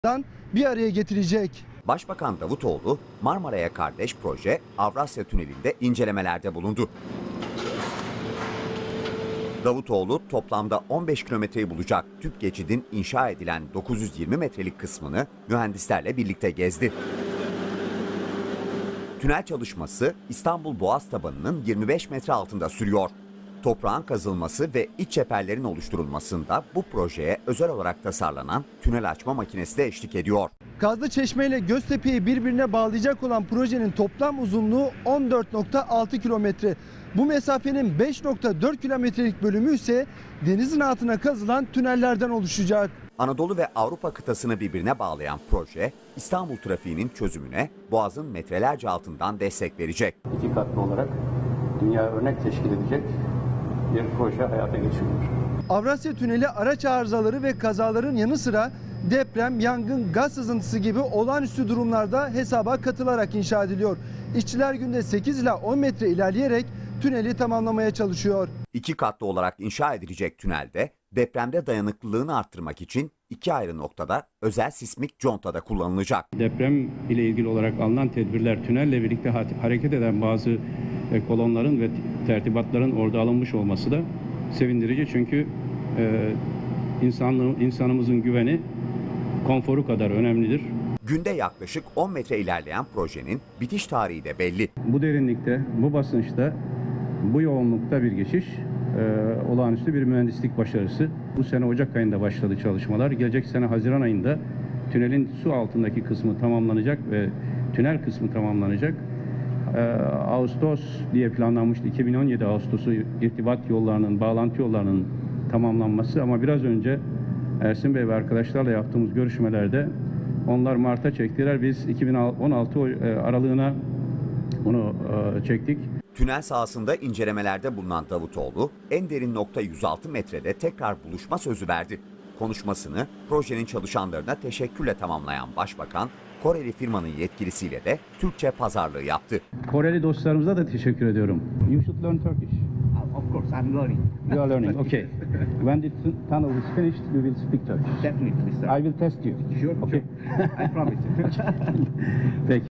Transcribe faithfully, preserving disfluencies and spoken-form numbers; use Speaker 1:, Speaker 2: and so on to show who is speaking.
Speaker 1: bir araya getirecek.
Speaker 2: Başbakan Davutoğlu, Marmara'ya kardeş proje Avrasya Tüneli'nde incelemelerde bulundu. Davutoğlu toplamda on beş kilometreyi bulacak tüp geçidin inşa edilen dokuz yüz yirmi metrelik kısmını mühendislerle birlikte gezdi. Tünel çalışması İstanbul Boğaz tabanının yirmi beş metre altında sürüyor. Toprağın kazılması ve iç çeperlerin oluşturulmasında bu projeye özel olarak tasarlanan tünel açma makinesi de eşlik ediyor.
Speaker 1: Kazlıçeşme ile Göztepe'yi birbirine bağlayacak olan projenin toplam uzunluğu on dört nokta altı kilometre. Bu mesafenin beş nokta dört kilometrelik bölümü ise denizin altına kazılan tünellerden oluşacak.
Speaker 2: Anadolu ve Avrupa kıtasını birbirine bağlayan proje, İstanbul trafiğinin çözümüne Boğaz'ın metrelerce altından destek verecek.
Speaker 3: İki katlı olarak dünya örnek teşkil edecek bir proje hayata geçiriyor.
Speaker 1: Avrasya Tüneli araç arızaları ve kazaların yanı sıra deprem, yangın, gaz sızıntısı gibi olağanüstü durumlarda hesaba katılarak inşa ediliyor. İşçiler günde sekiz ila on metre ilerleyerek tüneli tamamlamaya çalışıyor.
Speaker 2: İki katlı olarak inşa edilecek tünelde depremde dayanıklılığını arttırmak için iki ayrı noktada özel sismik contada kullanılacak.
Speaker 3: Deprem ile ilgili olarak alınan tedbirler, tünelle birlikte hareket eden bazı kolonların ve tertibatların orada alınmış olması da sevindirici. Çünkü e, insanlığın, insanımızın güveni konforu kadar önemlidir.
Speaker 2: Günde yaklaşık on metre ilerleyen projenin bitiş tarihi de belli.
Speaker 3: Bu derinlikte, bu basınçta, bu yoğunlukta bir geçiş e, olağanüstü bir mühendislik başarısı. Bu sene Ocak ayında başladı çalışmalar. Gelecek sene Haziran ayında tünelin su altındaki kısmı tamamlanacak ve tünel kısmı tamamlanacak. E, Ağustos diye planlanmıştı. iki bin on yedi Ağustos'u irtibat yollarının, bağlantı yollarının tamamlanması ama biraz önce Ersin Bey ve arkadaşlarla yaptığımız görüşmelerde onlar Mart'a çektiler. Biz iki bin on altı aralığına bunu çektik.
Speaker 2: Tünel sahasında incelemelerde bulunan Davutoğlu, en derin nokta yüz altı metrede tekrar buluşma sözü verdi. Konuşmasını projenin çalışanlarına teşekkürle tamamlayan Başbakan, Koreli firmanın yetkilisiyle de Türkçe pazarlığı yaptı.
Speaker 3: Koreli dostlarımıza da teşekkür ediyorum. You should learn Turkish.
Speaker 4: Of course, I'm learning.
Speaker 3: You are learning, okay. When the tunnel is finished, you will speak Turkish.
Speaker 4: Definitely, sir.
Speaker 3: I will test you.
Speaker 4: Sure,
Speaker 3: okay.
Speaker 4: sure. I promise you.
Speaker 3: Peki.